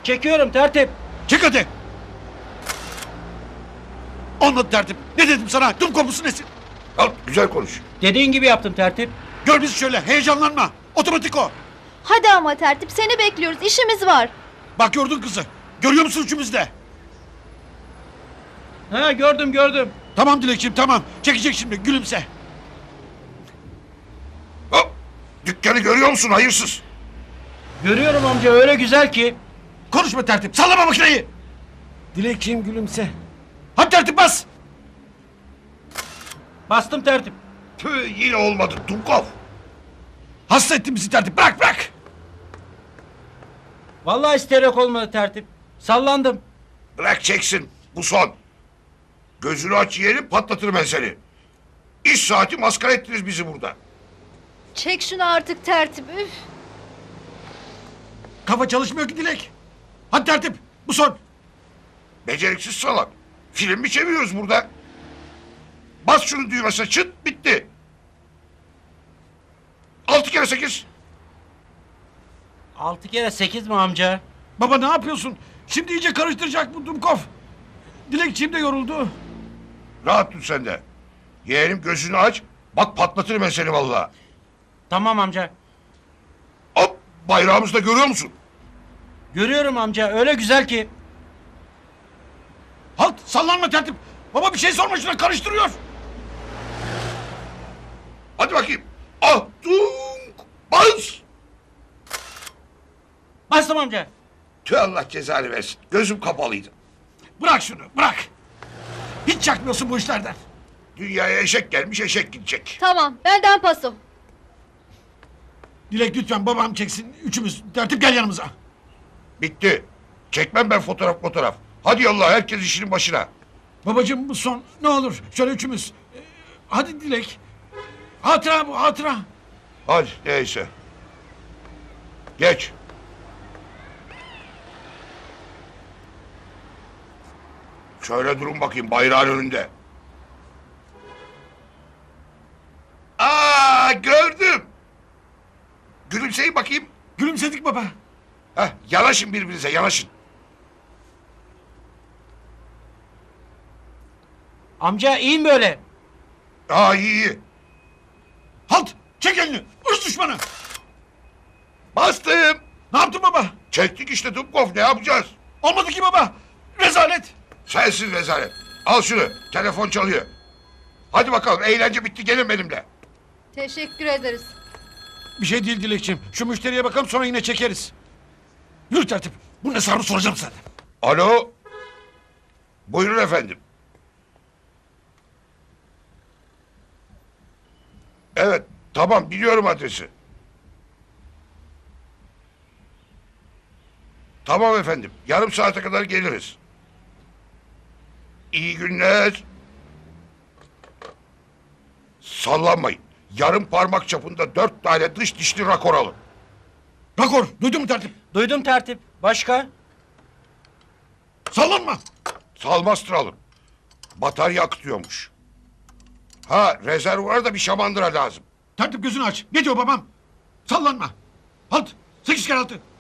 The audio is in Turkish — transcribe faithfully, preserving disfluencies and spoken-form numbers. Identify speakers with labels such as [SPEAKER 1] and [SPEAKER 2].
[SPEAKER 1] Çekiyorum tertip.
[SPEAKER 2] Çek hadi. Anlat tertip. Ne dedim sana? Tüm komusu nesin?
[SPEAKER 3] Al güzel konuş.
[SPEAKER 1] Dediğin gibi yaptım tertip.
[SPEAKER 2] Gör bizi şöyle. Heyecanlanma. Otomatik o.
[SPEAKER 4] Hadi ama tertip, seni bekliyoruz, işimiz var.
[SPEAKER 2] Bak gördün kızı. Görüyor musun üçümüz de?
[SPEAKER 1] Ha gördüm gördüm.
[SPEAKER 2] Tamam Dilekçiğim tamam. Çekecek şimdi. Gülümse.
[SPEAKER 3] Hop. Dükkanı görüyor musun hayırsız?
[SPEAKER 1] Görüyorum amca öyle güzel ki.
[SPEAKER 2] Konuşma tertip. Sallama makineyi. Dilekçiğim gülümse. Hadi tertip bas.
[SPEAKER 1] Bastım tertip.
[SPEAKER 3] Tüh yine olmadı Dumkov.
[SPEAKER 2] Hasta ettin bizi tertip. Bırak bırak.
[SPEAKER 1] Vallahi isterek olmadı tertip. Sallandım.
[SPEAKER 3] Bırak çeksin bu son. Gözünü aç yeğenim patlatırım ben seni. İş saati maskara ettiniz bizi burada.
[SPEAKER 4] Çek şunu artık tertip, üf.
[SPEAKER 2] Kafa çalışmıyor ki Dilek. Hadi tertip. Bu son.
[SPEAKER 3] Beceriksiz salak. Film mi çeviriyoruz burada? Bas şunu düğmesine çıt bitti. Altı kere sekiz.
[SPEAKER 1] Altı kere sekiz mi amca?
[SPEAKER 2] Baba ne yapıyorsun? Şimdi iyice karıştıracak bu Dumkov. Dilekçiğim de yoruldu.
[SPEAKER 3] Rahat dur sen de. Yeğenim gözünü aç. Bak patlatırım ben seni vallahi.
[SPEAKER 1] Tamam amca.
[SPEAKER 3] Hop bayrağımızı da görüyor musun?
[SPEAKER 1] Görüyorum amca öyle güzel ki.
[SPEAKER 2] Halt sallanma tertip. Baba bir şey sorma şuna karıştırıyor.
[SPEAKER 3] Hadi bakayım. Ah dunk. Bas.
[SPEAKER 1] Bastım amca.
[SPEAKER 3] Tüh Allah cezanı versin. Gözüm kapalıydı.
[SPEAKER 2] Bırak şunu bırak. Hiç çakmıyorsun bu işlerden.
[SPEAKER 3] Dünyaya eşek gelmiş eşek gidecek.
[SPEAKER 4] Tamam, benden paso.
[SPEAKER 2] Dilek lütfen babam çeksin üçümüz. Tertip gel yanımıza.
[SPEAKER 3] Bitti. Çekmem ben fotoğraf fotoğraf. Hadi yallah herkes işinin başına.
[SPEAKER 2] Babacığım bu son ne olur şöyle üçümüz. Ee, hadi Dilek. Hatıra bu hatıra.
[SPEAKER 3] Hadi neyse. Geç. Şöyle durun bakayım bayrağın önünde. Aa gördüm. Gülümseyin bakayım.
[SPEAKER 2] Gülümsedik baba.
[SPEAKER 3] Heh, yanaşın birbirinize yanaşın.
[SPEAKER 1] Amca iyi mi böyle?
[SPEAKER 3] Aa iyi iyi.
[SPEAKER 2] Halt çek elini. Irz düşmanı.
[SPEAKER 3] Bastım.
[SPEAKER 2] Ne yaptın baba?
[SPEAKER 3] Çektik işte Dubkov ne yapacağız?
[SPEAKER 2] Olmadı ki baba. Rezalet.
[SPEAKER 3] Sensin rezalet. Al şunu telefon çalıyor. Hadi bakalım eğlence bitti gelin benimle.
[SPEAKER 4] Teşekkür ederiz.
[SPEAKER 2] Bir şey değil Dilekçiğim. Şu müşteriye bakalım sonra yine çekeriz. Yürü tertip. Bunun hesabını soracağım sana.
[SPEAKER 3] Alo. Buyurun efendim. Evet tamam biliyorum adresi. Tamam efendim yarım saate kadar geliriz. İyi günler. Sallanmayın. Yarım parmak çapında dört tane dış dişli rakor alın.
[SPEAKER 2] Rakor duydun mu tertip?
[SPEAKER 1] Duydum tertip. Başka?
[SPEAKER 2] Sallanma.
[SPEAKER 3] Salmastır alın. Batarya akıtıyormuş. Ha rezervuara da bir şamandıra lazım.
[SPEAKER 2] Tertip gözünü aç. Ne diyor babam? Sallanma. Halt. Sekiz kere altı.